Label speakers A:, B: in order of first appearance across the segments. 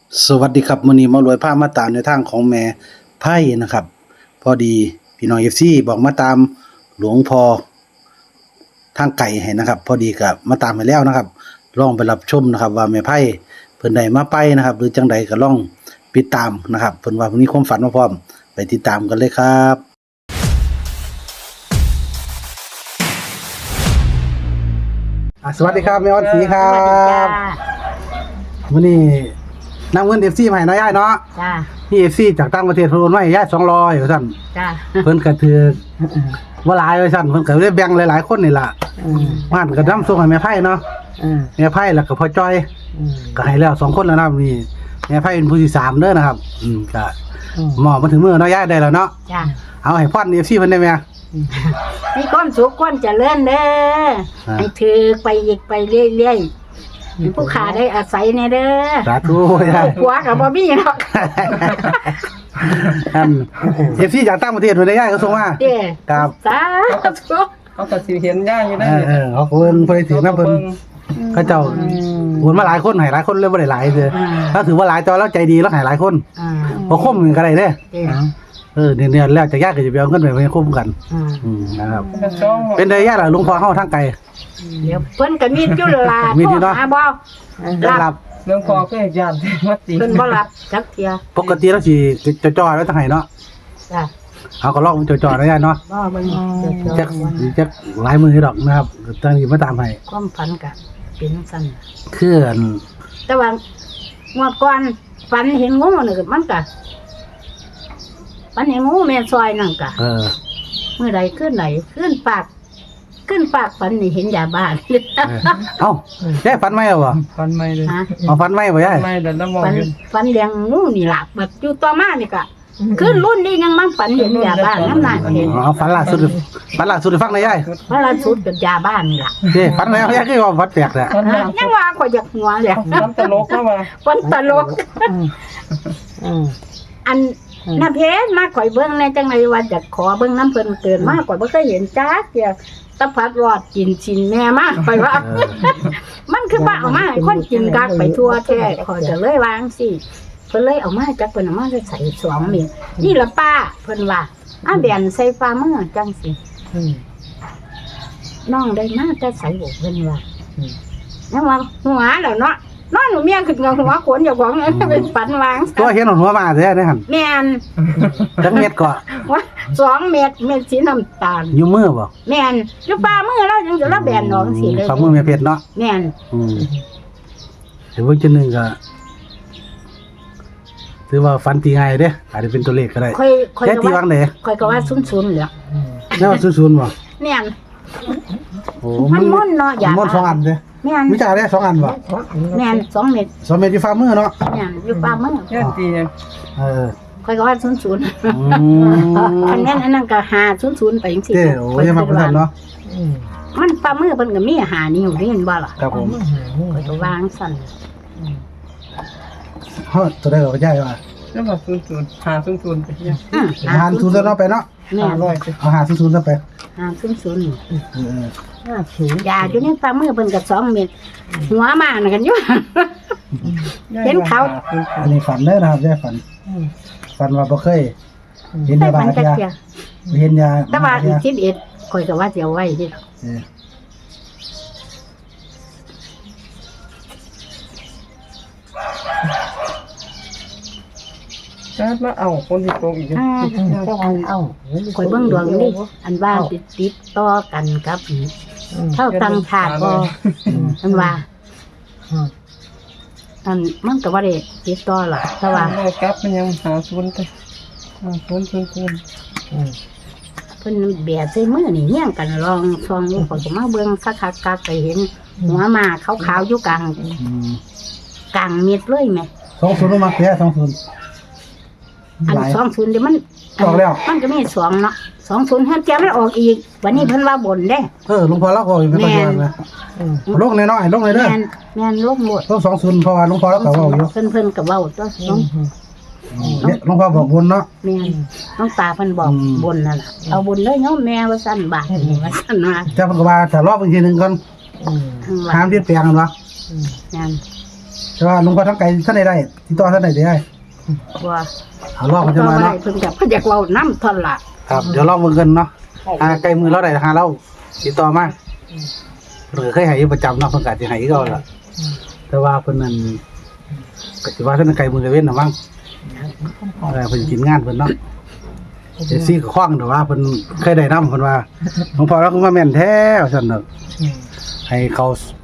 A: สวัสดีครับมื้อนี้มารวยพามาตามในทางของแม่ไพ่นะครับพอดีพี่น้อง FC บอกมาตามหลวงพ่อทางไก่ให้นะครับพอดีก็มาตามให้แล้วนะครับลองไปรับชมนะครับว่าแม่ไพ่เพิ่นได้มาไปนะครับหรือจังใดก็ลองติดตามนะครับเพิ่นว่าเพิ่นมีความฝันมาพร้อมไปติดตามกันเลยครับสวัสดีครับแม่ออนศรีครั
B: สวัสดีจ้า
A: บมื้อนี้นำเงิน FC มาให้น้อยย่ายเนาะ
B: จ้า
A: พี่ FC จากต่างประเทศเพิ่นโอนมาให้ย่าย200ว่าซั่น
B: จ้า
A: เพิ่นก็ถือว่าหลายว่าซั่นเพิ่นก็เลยแบ่งหลายๆคนนี่ล่ะบ้านก็นำส่งให้แม่ไผเนาะแม่ไผแล้วก็พ่อจ้อยก็ให้แล้ว2คนแล้วนะนี่แม่ไผเป็นผู้ที่3เด้อนะครับก็หมอมาถึงมื้อเนาะย่ายได้แล้วเนาะ
B: จ้า
A: เอาให้พร FC เพิ่นได้แม่
B: มีความสุขความเจริญเด้อให้ถือไปอีกไปเรื่อยๆให้ผู้ขาได้อาศัยในเด้อ
A: สาธุย่าย
B: ผัวกับบ่มีหรอก
A: อัน FC จากต่างประเทศเพิ่นได้ย่ายก็ส่งมา
B: เด้อ
A: ครับ
B: สาธุ
C: เขาก็สิเห็นย่าอยู่ได้
A: เขาเพิ่นบ่ได้ถือนำเพิ่นเขาเจ้าโอนมาหลายคนให้หลายคนเลยบ่ได้หลายเด้อถ้าถือว่าหลายจอแล้วใจดีแล้วให้หลายคน บ่คมกันก็ได้เด้
B: เด้อ
A: เดือนแล้วจะยากก็จะไปเอาเงินไปคุ้มกันนะครับเป็นได้ยากล่ะหลวงพ่อเฮาทางไกล
B: เดี๋ยวเพิ่นก็มีอยู่ล่ะ
A: มีอยู่เนาะ
B: หาบ่
A: รับ
C: เรื่องพอก็ญาติมาตี
B: เพิ่นบ่รับจักเที่ย
A: ปกติแล้วสิจ่อๆไว้ทางไหนเนาะ
B: จ้า
A: เอาก็ลองจ่อๆได้เนาะ
B: บ่เบิ่ง
A: จักหลายมือดอกนะครับตั้งนี้มาตามให้
B: ความฝันก็เป็นซั่น
A: คือ
B: แต่ว่างวดก่อนฝันเห็นงูนี่ก็มันก็ฝันเห็นงูแม่ซอยนั่นก็ เมื่อใดขึ้นไหนขึ้นปากฝันนี่เห็นยาบ้าน
A: เอ้าแย่ฝันไหมเหรอ
C: ฟันไม่เลย
B: ฮะ
A: เอาฝันไหมบ่ยาย
C: ไม่แต่น้ำมอง
B: ฝัน
C: อยู่
B: ฝันเลี้ยงงูนี่ล่ะแบบอยู่ต่อมานี่ก็ขึ้นรุ่นนี้ยังมันฝันเห็นยาบ้านน้ำหนักเห็น
A: เอาฝันล่าสุดฟังหน่อยยาย
B: พระราชุดกับยาบ้านนี่ล่ะ
A: เด้ฝันแล้วยายคือว่าฝันแปลกแหละ
C: ฟัน
B: ฮะยังว่าข่อยอยากหัวเลย
C: น้ำตลกเข้ามา
B: ฝันตลกอันน้าเพชรมาข่อยเบิ่งในจังไรว่าจะขอเบิ่งน้ำเพิ่นเกินมากข่อยบ่เคยเห็นจักเดียวตะพัดรอดกินชินแม่มากไปว่า มันคือว่าเอามาให้คนกินกักไปทั่วแท้ข่อยจะเลยวางสิเพิ่นเลยเอามาจักเพิ่นเอามาใส่2เม็ดนี่ล่ะป้าเพิ่นว่าแบนใส่ฟ้ามือจังสิน้องได้มาจะใส่บ่เพิ่นว่าแล้วว่าหัวแล้วเนาะนอนหนูเมียขึ้นกับหัวขนอยู่ของนั้นเป็นฝันวาง
A: ตัวเห็นหัวมาแท้ได้หั่น
B: แม่น
A: จักเม็ดก็
B: ว่า2 เม็ดสีน้ำตาล
A: อยู่มือบ่
B: แม่นอยู่ฟ้ามือเราจังจะละแบนน้องสิเลย
A: ฝ่ามือแม่เพชรเนาะ
B: แม่น
A: เดี๋ยวเพิ่งจะหนึ่งก็ถือว่าฟันตีง่ายเด้อาจจะเป็นตัวเลขก็ได้
B: ค่อย
A: แค่ตีวางไหน
B: ค่อยก็ว่าซุนๆเหลือ
A: แน่ว่าศูนย์บ่
B: แม่น
A: โอ้
B: มันม่อนเนาะอย่า
A: ม่อน2อันเด้
B: แม่น
A: มีจ่าได้2อันบ่
B: แม่น2 เม็ด
A: 2เม็ดอยู่ฝ่ามือเนาะ
B: แม่นอยู่ฟ้ามือ
C: ญาติยัง
A: เออ
B: ค่อยก็ว่าซุน
A: อืม
B: อันนั้นก็500ไปจังซี่
A: เด้โอ้ยมาเพิ่นเนาะ
B: มันฟ้ามือเพิ่นก็มี5นิ้วนี่เห็นบ่ล่ะ
A: ครับผม
B: ค่อยก็วางสั่น
A: เฮาตัวได้ก็ใหญ่ว่า
C: แล้วมาซุนหาซุนไปยัง
A: หาร0ซะเนาะไปเนาะ
B: แม่น
C: 500สิ
A: เอาหา0ซะไป
B: 500
A: เออ
B: ยาอยู่ในฟ้ามือเพิ่นก็2 เม็ดหัวมาน่ะกันอยู่ เห็นเขา
A: อันนี้ฝันเด้อนะครับได้ฝันฝันว่าบ่เคยเห็น
B: ได้
A: ยาบ้า
B: มันก็
A: ยา
B: เจีย
A: เห็นยา
B: แต่ว่าอีก11ข่อยก็ว่าสิเอาไว้ดิ
A: เออ
C: จะมาเอาคนที่โกงอีก
B: ข่อยเบิ่งดวงนี่อันว่าติดต่อกันกับเท่าตังชาติบ่อันว่าอันมันก็บ่ได้ติดต่อหรอกแต่ว่า
C: เรากลับมันยังหาซุนไปหาซุน
B: เพิ่นแบะใส่มือนี่เฮียงกันลองซองอยู่ข่อยก็มาเบิ่งสักคักกักไปเห็น หัวมาขาวๆอยู่กลางเม็ดเลยแม่
A: 20มาแค่20
B: อัน20เดี๋ยวมัน
A: ออกแล้ว
B: มันก็มี2เนาะ20ห้าเจ้ามันออกอีกวันนี้เพิ่นว่าบ่นเด้
A: หลวงพ่อเราก็อยู่ไม่ค่อยว่านะลงน้อยๆลงเลยเด้อ
B: แม่นลงหมด
A: ต้อง20เพราะว่าหลวงพ่อเราก็เว้าอยู่
B: เพิ่นก็เว้าตัวน้อง
A: เนี่ยหลวงพ่อบอกบนเนาะ
B: แม่นน้องตาเพิ่นบอกบนนั่นล่ะเอาบนเลยโยมแม่ว่าซั่นบาดนี่ว่าซั่นว่า
A: เจ้าเพิ่นก็ว่าถ้ารอบอีกทีนึงก่อน
B: ว่า
A: ห้ามเปลี่ยนแปลงกันวะ
B: แม่น
A: แต่ว่าหลวงพ่อทั้งไกลท่านใดได้ติดต่อท่านใดได้
B: ว่า
A: เอารอบมันจะมา
B: บ่ได้
A: เนาะ
B: เพิ่นอยากเว้านํเท่านั้นล่ะ
A: ครับเดี๋ยวรอบมือกันเนาะไกลมือเราได้หาเราติดต่อมาเพิ่นก็เคยให้อยู่ประจำเนาะเพิ่นก็สิให้คือเก่าล่ะแต่ว่าเพิ่นนั่นก็สิว่าท่านไกลมือไกลเว้นน่ะมั้งเพิ่นกินงานเพิ่นเนาะเอซี่ก็คว้างแต่ว่าเพิ่นเคยได้นำเพิ่นว่าหลวงพ่อเราคือว่าแม่นแท้ว่าซั่นเนาะให้เขา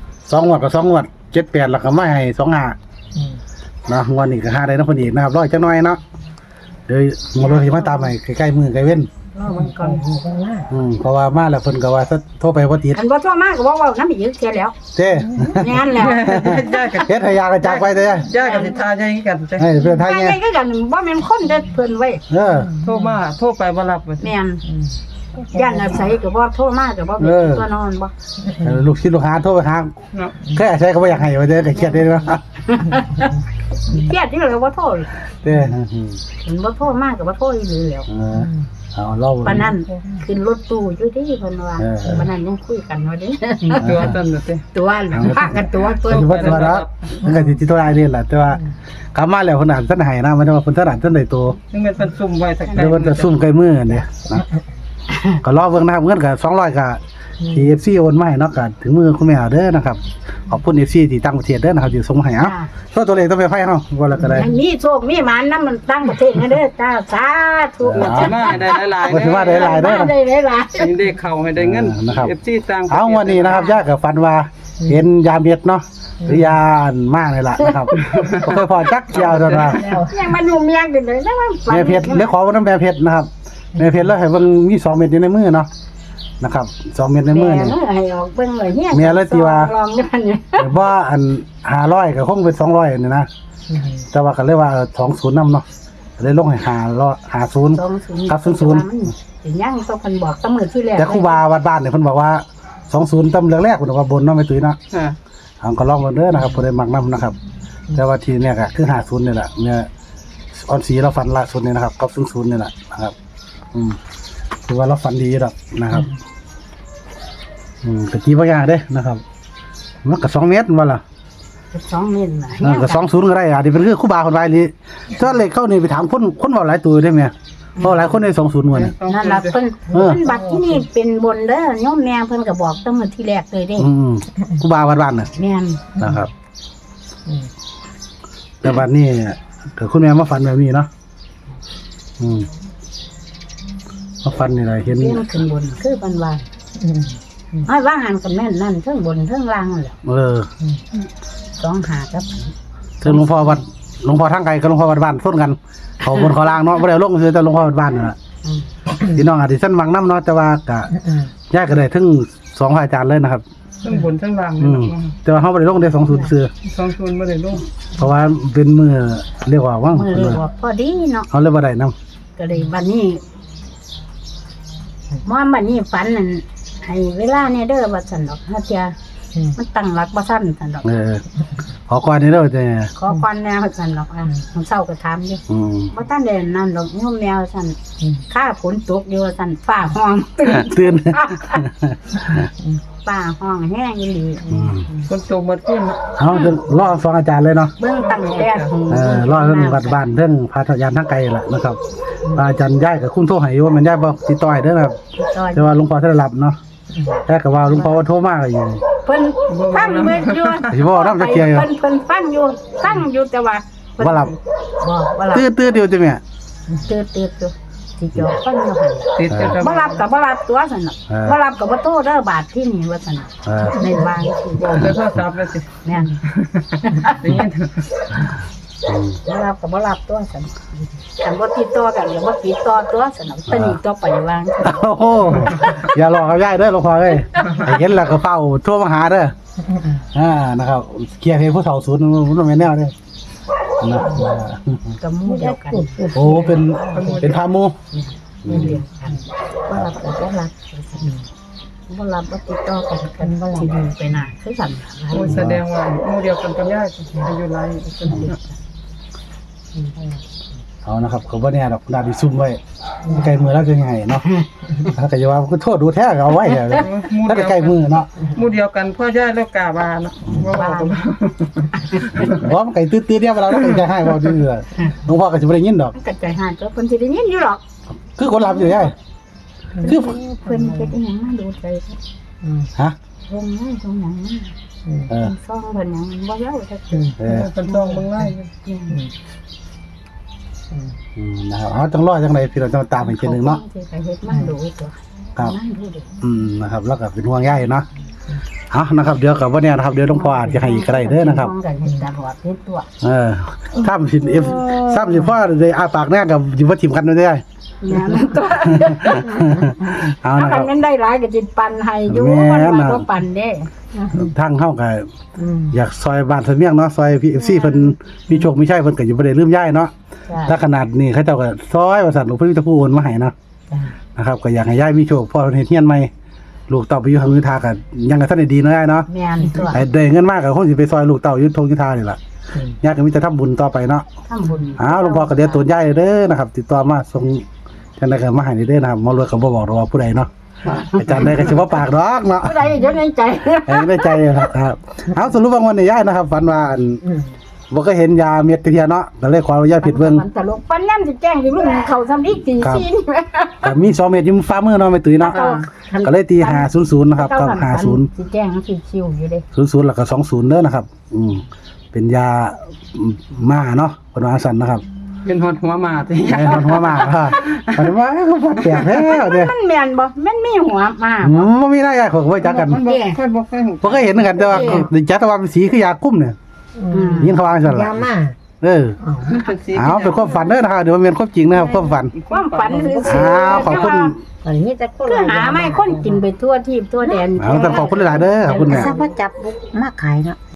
A: 2งวดก็2งวด7-8แล้วก็มาให้25เนาะงวดนี้ก็หาได้เนาะเพิ่นอีกนะครับรออีกจักหน่อยเนาะเดี๋ยวงวดนี้มาตามให้ใกล้ๆมือใกล้เว้น
B: รอมันก่อน
A: เพราะว่ามาแล้วเพิ่นก็ว่าโทรไปบ่ติด
B: อันบ่โทรมาก็บ่เว้านำอีกเสียแล้ว
A: เด้
B: งานแล้ว
C: ย่ากับ
A: เฮ็ดให้ยากระจากไปเด้
C: ย่ากับสิทาใหญ่กันจ้ะ
A: ให้เพิ่นทาย
B: ไป
A: แง่
B: ไงก็กันบ่แม่นคนเด้อเพิ่นไว้
C: โทรไปบ่รับว่า
B: แม่นย่านอาศัยก็บ่โทรมาก็บ่เป็นตัวนอนบ่
A: ลูกศิษย์ลูกหาโทรไปหา
C: เนาะ
A: แค่ใช้ก็บ่อยากให้ว่าเด้ก็เครียดเด้เนาะ
B: เครียดที่เลยบ่โทร
A: เด้
B: เห็นบ่โทรมาก็บ่โทรอีหลีแล้ว
A: เอาเรา
B: ปานนั้นขึ้นรถตู้อยู่ที่เพิ่นว่าปานนั้นยังคุยกันว่าเด้
C: ตัวตันเด้
B: ตัวพากันตัว
A: สิว่าตัวละมันก็สิติดตัวได้นี่แหละแต่ว่ากลับมาแล้วเพิ่นอาจท่านให้นะมันว่าเพิ่นท่านอาจท่านได้ตัว
C: ยังเป็นเพิ่นซุ่มไว้สัก
A: เดี๋ยวเพิ่นจะซุ่มใกล้มือเนี่ยนะก็รอเบิ่งนะครับเงินก็200ก็ที่ FC โอนมาให้เนาะก็ถึงมือคุณแม่เด้อนะครับขอบคุณ FC ที่ต่างประเทศเด้อนะครับที่ส่งมาให้เอาตัวเลขต้องไปไผเฮาว่าแล้วก็ได้
B: มีโชคมีหมานนำมันตั้งประเทศนะเด้อจ้าสาธุ
C: สิมาให้ได้หลายๆ
A: ก็ถือว่าได้หลายเด้อ
B: ได้หลาย
C: ให้ได้เข้าให้ได้เงิน
A: นะครับ
C: FC ต่าง
A: เอาวันนี้นะครับย่ากับฟันว่าเห็นยาเม็ดเนาะหรือยาอันมากเลยล่ะนะครับบ่เคยพอจักเจียวเท่านั้น
B: ยังมานุ่มยังกันเลยนะว่า
A: แม่เพชรเดี๋ยวขอวันนั้นแม่เพชรนะครับแม่เพชรแล้วให้เบิ่งมี2เม็ดอยู่ในมือเนาะนะครับ2เม็ดในมือนี่
B: ให้ออกเบิ่งเลยเนี่ย
A: แม่เลยสิว่า
B: ลองกันเนี่ย
A: แต่ว่าอัน500ก็คงเป็น200นี่นะแต่ว่าก็เลยว่า20นำเนาะก็เลยลงให้50กับ00
B: สิยังต้องเพิ่นบอกตำมือที่แรก
A: แต่ครูบาวัดบ้านเนี่ยเพิ่นบอกว่า20ตำแรกๆเพิ่นบอกว่าบนเนาะแม่ตุ้ยเนาะ
C: ค่ะ
A: เอาก็ลองมาเด้อนะครับผู้ใดมักนํนะครับ แต่ว่าทีเนี่ยก็คือ50นี่แหละเนี่ยออนสีเราฟันล่าสุดนี่นะครับกับ00นี่แหละนะครับคือว่าเราฟันดีดอกนะครับก็ตีบ่ยากเด้นะครับมันก็2เมตรว่าล่ะ
B: 2เมตรน่ะ
A: ก็20ก็ได้อ่ะนี่เป็นคือครูบาคนไว้นี่ถ้าเลขเข้านี่ไปถามคนเว้าหลายตัวได้แม่เพราะหลายคนได้20ว่านี่
B: นั่นล่ะเพิ่นบัตรที่นี่เป็นบนเด้อโยมแม่เพิ่นก็บอกตำมือที่แรกเลยเด้
A: ครูบาวัดบ้านน่ะ
B: แม่น
A: นะครับแต่บัดนี้ก็คุณแม่มาฝันแบบนี้เนาะมาฝันนี่ล่ะเห็น
B: เรียนขึ้นบนคือเพิ่นว่าให้ว่าหันกันแม่นนั่นเทิงบนเทิงล่างนั่นแหละ2หากับ
A: ถึงหลวงพ่อทางไกลกับหลวงพ่อวัดบ้านส้นกันเขาบนเขาล่างเนาะบ่ได้ลงคือแต่หลวงพ่อวัดบ้านนั่นล่ะพี่น้องอาจสิซั่นมักนำเนาะแต่ว่าก็ย้ายก็ได้ถึง2พระอาจารย์เลยนะครับ
C: ทั้งบนทั้งล่าง
A: แต่ว่าเฮาบ่ได้ลงได้20ซื่อ
C: 20บ่ได้ลง
A: เพราะว่าเป็นมื้อเรียกว่าว่าง
B: มือเลยบอกพอดีเนาะ
A: เฮาเลยบ่ได้นำ
B: ก็เลยบัดนี้บัดนี้ฝันนั่นให้เวลาเนี่ยเด้อว่าซั่นดอกเฮาเที่ยมันตั้งหลักบ่ทันซั่นดอก
A: ขอก่อนนี่เด้อแต่
B: ขอก่อนแนวซั่นดอกมันเช้าก็ถามอยู่บ่ทันได้นั่นดอกโยมแนวซั่นค่าฝนตกอยู่ซั่นฟ้าห้อง
A: ตื่น
B: ฟ้าห้องแห้งอีหลี
C: คนโตมาขึ้น
A: เอาเดี๋ยวรอฟังอาจารย์เลยเนาะ
B: เบิ่งตั้งแต่
A: รอเรื่องวัดบ้านเรื่องพาทยานทางไกลล่ะนะครับอาจารย์ย้ายกับคุณโทรให้อยู่มันย้ายบ่ติดต่อให้เด้อนะครับแต่ว่าหลวงพ่อท่านรับเนาะแต่ก็ว่าหลวงพ่อว่าโทรมาก็อยู่
B: เพิ่นฟังเบิ่งอยู่
A: สิบ่นำจะเคลียร์อยู่
B: เพิ่นฟังอยู่แต่ว่า
A: บ่หลับ
B: บ่หลับ
A: ตื่นเดียวจ้ะแม่
B: ตื่นอยู่ที่จอฟังอยู่หั่น
C: ติดกัน
B: บ่รับกับบ่รับตัวซั่นน่ะบ่รับกับบ่โตเด้อบาทที่นี่ว่าซั่นน่ะในบางที่
C: บอกแต่โทรศัพท์แล้วสิ
B: แม่น
C: ได้ยิน
B: บ่รับกับบ่รับตัวซั่นคันบ่ติดต่อกันก็บ่ติดต่อตัวซั่นน่ะตอนนี้ต่อไปวาง
A: โอ้โหอย่าหลอกกับย้ายเด้อหลวงพ่อเอ้ยให้เห็นแล้วก็เฝ้าโทรมาหาเด้อนะครับเคลียร์เพลงผู้เฒ่าศูนย์มันแม่นแนวเด้อนะ
B: กับหมู่เดียวกัน
A: โอ้เป็นพาหมู่
B: เดียวกันบ่รับกับบ่รับบ่รับบ่ติดต่อกันบ่สิอยู่ไปหน้าคือซั่นน่ะ
C: โอ้แสดงว่าหมู่เดียวกันกับย่าอายุหลายคน
A: เอานะครับเขาบ่แน่ดอกดาดิซุ่มไว้ไกลมือแล้วจะยังไงเนาะถ้าก็จะว่าก็โทษดูแท้ก็เอาไว้เถอะถ้าไกลมือเนาะ
C: หมู่เดียวกันพ่อย่ายแล้วกาบาเนาะว่าว่ากัน
A: เพราะมันไก่ตื้อๆเนี่ยเวลาเราไก่ให้บ่ดื้อหลวงพ่อก็สิบ่ได้ยินดอก
B: มันก็ใจหายตัวเพิ่นสิได้ยินอยู่หรอก
A: คือคนรับอยู่ได้คือ
B: เพิ่นเฮ็ดอีหยังมาดูใจ
A: ฮะ
B: เพิ่นให้ตรงหยัง
A: เออ
B: ซ่องเพิ่นหยังบ่เย้าจักที
C: เป็นซองเบิ่งไล่
A: นะครับเอาจังรอจังไดพี่เราจะมาตามอีกทีนึงเนาะ
B: สิไปเฮ็ดมาดูตัว
A: ครับ
B: นั่นดูดิ
A: นะครับแล้วก็เป็นห่วงใยเนาะเอานะครับเดี๋ยวกับว่าเนี่ยนะครับเดี๋ยวหลวงพ่ออาจจะให้อีกก็ได้เด้อนะครับ
B: มองกันเห็นตลอดเฮ็ดตัว
A: ถ้ามันสิถ้ามันสิพ่อได้อาปากแน่กับอยู่ว่าทีมกันได้
B: แม่นตัว
A: เอา
B: ถ้า
A: นะค
B: มั
A: รั
B: น
A: บ
B: แม่นได้หลายก็สิปันให้อยู่
A: แม่
B: มัน
A: น
B: ว่า
A: น่ะ
B: บ่ปันเด้
A: ทางเฮาก็อยากซอยบ้านเสมียงเนาะซอยพี่ FC เพิ่นมีโชคมีชัยเพิ่นก็อยู่บ่ได้ลืมย้ายเนาะถ้าขนาดนี้เขาเจ้าก็ซอยว่าซั่นหลวงพ่อจะผู้โอนมาให้เนาะนะครับก็อยากให้ย้ายมีโชคพ่อเพิ่นเฮ็ดเฮียนใหม่ลูกเต้าไปอยู่ทางยุทธาก็ยังก็ทันได้ดีเนาะย้ายเนาะ
B: แม่นตัว
A: ไอ้ได้เงินมากก็คงสิไปซอยลูกเต้ายุทธยุทธานี่ล่ะย้ายก็มีแต่ทำบุญต่อไปเนาะ
B: ทำบุญ
A: อ้าวหลวงพ่อก็เดี๋ยวตัวย้ายเด้อนะครับ ติดต่อมาส่งจังได๋ก็มาให้เด้อนะครับหมอรวยก็บ่บอกหรอกว่าผู้ใดเนาะอาจารย์ได้ก็สิบ่ปากดอกเนาะ
B: ผู้ใดอยู่ในใจ
A: ได้ใจครับเอาสรุปว่าวันนี้ย้ายนะครับฝันว่าบ่ก็เห็นยาเม็ดเทียเนาะก็เลยขออนุญาตผิดเบิ่ง
B: มันตลกปันย่ำสิแจ้งสิลุงเขาซ้ำอีกตี
A: ครับ
B: 4นี่แหม
A: ก็มี2เม็ดอยู่ฝ่ามือเนาะไม่ตุ้ยเนาะก็เลยตี500นะครับกับ
B: สิแจ้งสิคิวอยู่เด้
A: 50แล้วก็20เด้อนะครับเป็นยาม่าเนาะเพิ่นว่าซั่นนะครับ
C: เป็นฮอดหัวหมาติ
A: ไอ้คนหัวม่าค่ะเพิ่นว่าเขาฟัดแปลกแล้วเด้อ
B: มันแม่นบ่แม่นมีหัวมา
A: บ่มีหน้ายาของบ่จักกัน
C: มันบ่ค่อยบ่ค่อยหู
A: บ่เคยเห็นกันแต่ว่าจักแต่ว่าเป็นสีคือยาคุ้มเนี่ยยินเขาว่าซั่นล่ะ
D: ยามา
C: มันเป็นสี
A: เอาเป็นความฝันเด้อนะครับเดี๋ยวมันเป็นความจริงนะครับความฝัน
B: ความฝันคือ
A: ขอบคุณ
D: อันนี้แต่คน
B: คือหาไม่คนกินไปทั่วทีบทั่วแดน
A: เอาแต่ขอบคุณหลายๆเด้อขอบคุณแม่
D: ทราบว่าจับมาขายเนาะ